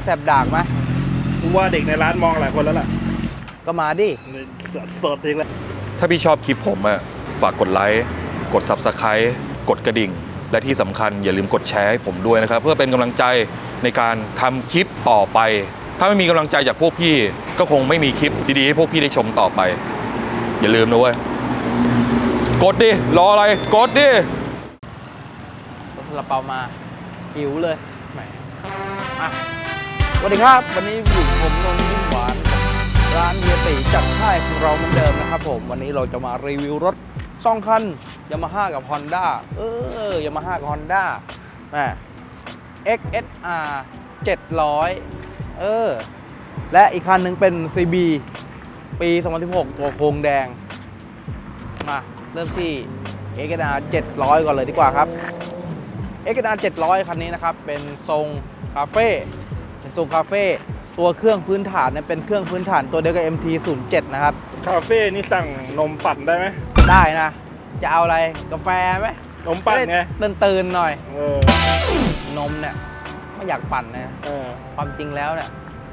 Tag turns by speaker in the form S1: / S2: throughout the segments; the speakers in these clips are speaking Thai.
S1: สบดากไหม
S2: กูว่าเด็กในร้านมองหลายคนแล้วล่ะ
S1: ก็มาดิ
S2: สดเองแหละ
S3: ถ้าพี่ชอบคลิปผมอะฝากกดไลค์กด Subscribe กดกระดิ่งและที่สำคัญอย่าลืมกดแชร์ให้ผมด้วยนะครับเพื่อเป็นกำลังใจในการทำคลิปต่อไปถ้าไม่มีกำลังใจจากพวกพี่ก็คงไม่มีคลิปดีๆให้พวกพี่ได้ชมต่อไปอย่าลืมนะเว้ยกดดิรออะไรกดดิ
S1: ซาลาเปามาหิวเลยแหมสวัสดีครับวันนี้อยู่ผมนนท์นิ่มหวานร้านเฮียตีจัดให้ของเราเหมือนเดิมนะครับผมวันนี้เราจะมารีวิวรถ2 คันยามาฮ่ากับ Honda ยามาฮ่ากับ Honda แหม XSR 700และอีกคันหนึ่งเป็น CB ปี 2016 ตัวโครงแดงมาเริ่มที่ XSR 700 ก่อนเลยดีกว่าครับ XSR 700 คันนี้นะครับเป็นทรงคาเฟ่ตัวเครื่องพื้นฐานเนี่ยเป็นเครื่องพื้นฐานตัวเดียวกับ MT-07 นะครับ
S2: คาเฟ่นี่สั่งนมปั่นได้ไหม
S1: ได้นะจะเอาอะไรกาแฟไหม
S2: นมปั่นไง
S1: ตื่นหน่อยนมเนี่ยไม่อยากปั่นนะความจริงแล้วเนี่ย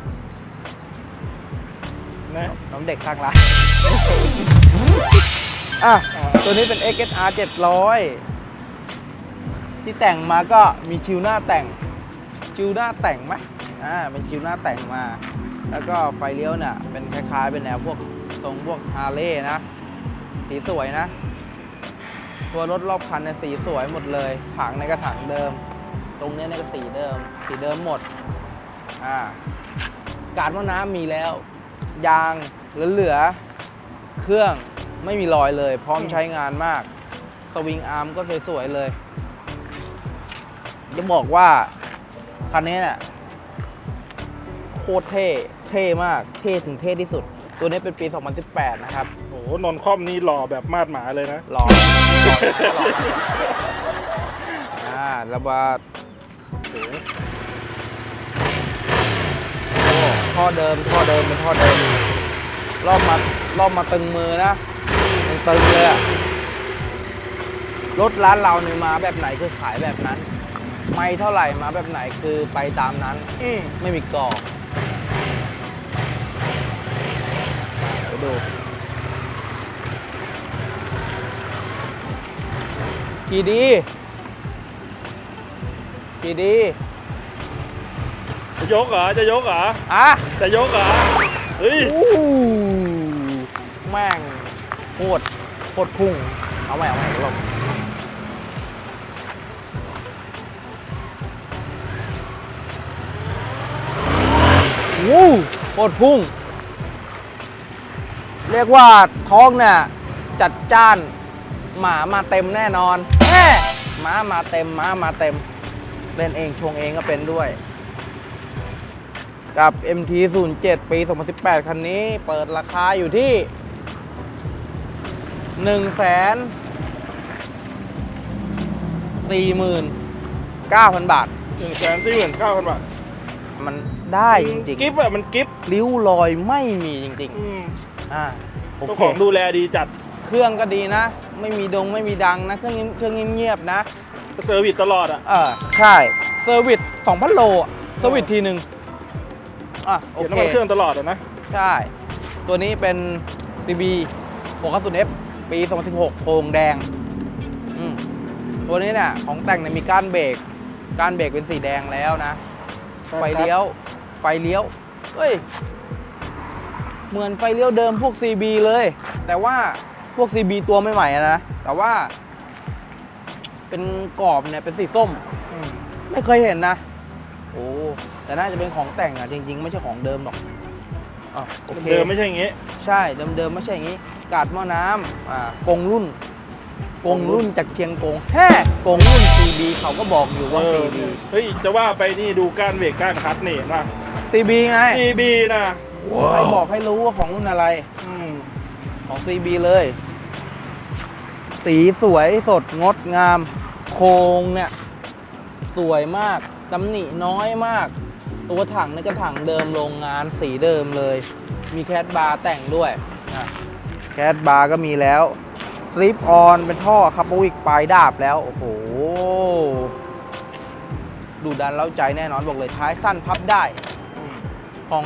S1: น้ำเด็กข้างร้านตัวนี้เป็น XSR 700 ที่แต่งมาก็มีชิวหน้าแต่งไหมเป็นชิวหน้าแต่งมาแล้วก็ไฟเลี้ยวเนี่ยเป็นคล้ายๆเป็นแนวพวกทรงพวกฮาร์เลย์นะสีสวยนะตัวรถรอบคันเนี่ยสีสวยหมดเลยถังในกระถางเดิมตรงนี้ในก็สีเดิมหมดการว่าน้ำมีแล้วยางเหลือเครื่องไม่มีรอยเลยพร้อมใช้งานมากสวิงอาร์มก็สวยๆเลยจะบอกว่าคันนี้เนี่ยโคตรเท่มากเท่ถึงเท่ที่สุดตัวนี้เป็นปี 2018 นะครับ
S2: โอ้โหนนท์คอมนี่หล่อแบบมาดหมาเลยนะ
S1: หล่อระบาดสูงท่อเดิมเป็นท่อเดิมรอบมาตึงมือนะตึงเลยรถร้านเราเนี่ยมาแบบไหนคือขายแบบนั้นไม่เท่าไหร่มาแบบไหนคือไปตามนั้นไม่มีกรอบไปดูกี่ดี
S2: จะยกเหรอจะยกเหรอเฮ้ย
S1: แม่งโคตรพุ่งเอาใหม่ลงโคตรพุ่งเรียกว่าท้องเนี่ยจัดจ้านหมามาเต็มแน่นอนม้ามาเต็มเล่นเองชงเองก็เป็นด้วยกับ MT-07 ปี 2018 คันนี้เปิดราคาอยู่ที่ 149,000 บาท
S2: 149,000 บาท
S1: มันได้จริง
S2: ๆกิฟต์มันกิฟต์
S1: ริ้วรอยไม่มีจริง
S2: โอเคของดูแลดีจัด
S1: เครื่องก็ดีนะไม่มีดังนะเครื่องเงียบนะ
S2: เซอร์วิสตลอด
S1: ใช่เซอร์วิส 2,000 โลเซอร์วิสทีนึง
S2: โอเคเครื่องตลอดนะ
S1: ใช่ตัวนี้เป็น CB 690F ปี 2016 โครงแดงตัวนี้เนี่ยของแต่งเนี่ยมีก้านเบรกเป็นสีแดงแล้วนะไฟเลี้ยวเฮ้ยเหมือนไฟเลี้ยวเดิมพวก CB เลยแต่ว่าพวก CB ตัวใหม่ๆนะแต่ว่าเป็นกรอบเนี่ยเป็นสีส้มไม่เคยเห็นนะแต่น่าจะเป็นของแต่งจริงๆไม่ใช่ของเดิมหรอก
S2: เดิมไม่ใช่อย่างงี้
S1: ใช่เดิมไม่ใช่อย่างงี้กาดหม้อน้ำกงรุ่นจากเชียงกงกงรุ่น CB เขาก็บอกอยู่ว่า CB
S2: เฮ้ยจะว่าไปนี่ดูก้านเบรกก้านคัดนี่นะ
S1: CB ไง
S2: CB นะ
S1: ใครบอกให้รู้ว่าของรุ่นอะไรของ CB เลยสีสวยสดงดงามโครงเนี่ยสวยมากตำหนิน้อยมากตัวถังนี่ก็ถังเดิมโรงงานสีเดิมเลยมีแคทบาร์แต่งด้วยแคทบาร์ก็มีแล้วสลิปออนเป็นท่อคาร์บวิกปลายดาบแล้วโอ้โหดูดันเล้าใจแน่นอนบอกเลยท้ายสั้นพับได้ของ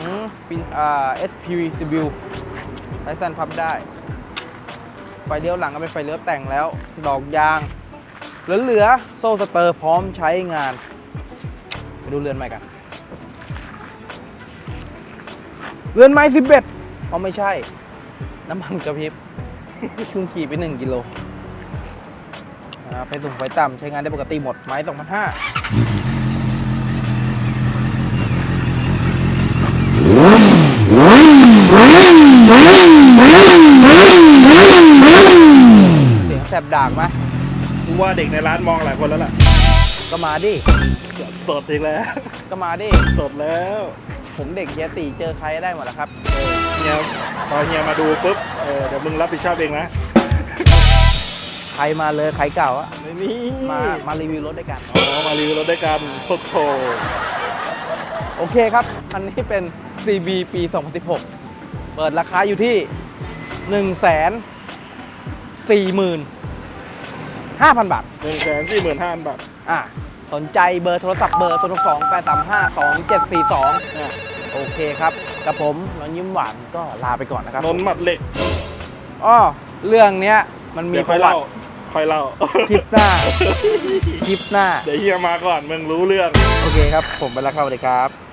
S1: SPW ไทสันพับได้ ไฟเลี้ยวหลังก็เป็นไฟเลี้ยวแต่งแล้ว ดอกยาง เหลือโซ่สเตอร์พร้อมใช้งาน ไปดูเรือนใหม่กัน เรือนไม้11อ๋อไม่ใช่ น้ำมันกระพริบ เพิ่งขี่ไป1 กิโลไฟสูงไฟต่ำใช้งานได้ปกติหมด ไม้ 2,500 เสียงแสบดากไหม
S2: กูว่าเด็กในร้านมองหลายคนแล้วล่ะ
S1: ก็มาดิ
S2: สดอีกแล้ว
S1: ก็มาดิ
S2: สดแล้ว
S1: ผมเด็กเฮียตีเจอใครได้หมดแล้วครับ
S2: เฮียพอเฮียมาดูปุ๊บเดี๋ยวมึงรับผิดชอบเองนะ
S1: ใครมาเลยใครเก่าอะ
S2: ไม่มี
S1: มารีวิวรถด้วยกัน
S2: อ๋อมารีวิวรถด้วยกันโคตรโถ
S1: โอเคครับ อันนี้เป็น CB ปี 2016 เปิดราคาอยู่ที่ 145,000 บาท
S2: 145,000 บาท
S1: สนใจเบอร์โทรศัพท์เบอร์ 0 2 8 3 5 2 7 4 2 โอเคครับกับผมน้องยิ้มหวานก็ลาไปก่อนนะครับ
S2: นนท์หมัดเหล็ก
S1: อ้อเรื่องเนี้ยมันมี
S2: เดี๋ยว
S1: ป
S2: ค่อย
S1: ระวั
S2: เล่า
S1: ติ
S2: ค่อยเล่า
S1: คลิปหน้า คลิปหน้า
S2: เดี๋ยวเฮียมาก่อนมึงรู้เรื่อง
S1: โอเคครับ ผมไปแล้วครับสวัสดีครับ